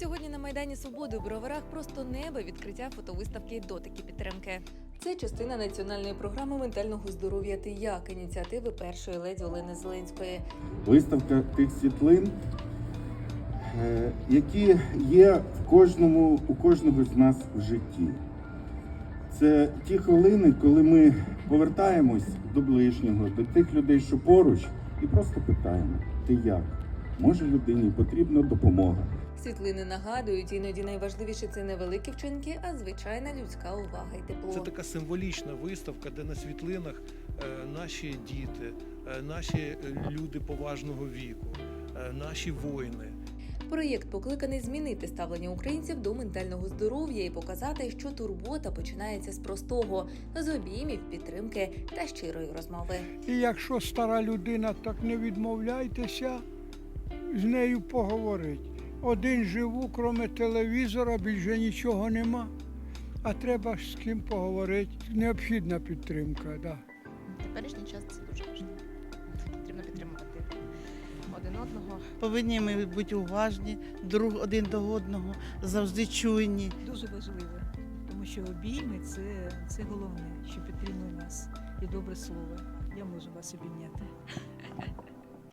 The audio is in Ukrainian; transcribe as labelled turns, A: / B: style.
A: Сьогодні на Майдані Свободи у Броварах просто небо відкриття фотовиставки «Дотики підтримки». Це частина національної програми ментального здоров'я «Ти як» ініціативи першої леді Олени Зеленської.
B: Виставка тих світлин, які є у кожного з нас в житті. Це ті хвилини, коли ми повертаємось до ближнього, до тих людей, що поруч, і просто питаємо: ти як? Може, людині потрібна допомога?
A: Світлини нагадують, іноді найважливіше – це не великі вчинки, а звичайна людська увага і тепло.
C: Це така символічна виставка, де на світлинах наші діти, наші люди поважного віку, наші воїни.
A: Проєкт покликаний змінити ставлення українців до ментального здоров'я і показати, що турбота починається з простого – з обіймів, підтримки та щирої розмови.
D: І якщо стара людина, так не відмовляйтеся з нею поговорити. Один живу, крім телевізора, більше нічого нема. А треба з ким поговорити. Необхідна підтримка, да.
E: Теперішній час це дуже важливо. Потрібно підтримувати один одного.
F: Повинні ми бути уважні один до одного, завжди чуйні.
G: Дуже важливо, тому що обійми – це головне, що підтримує нас. І добре слово. Я можу вас обійняти.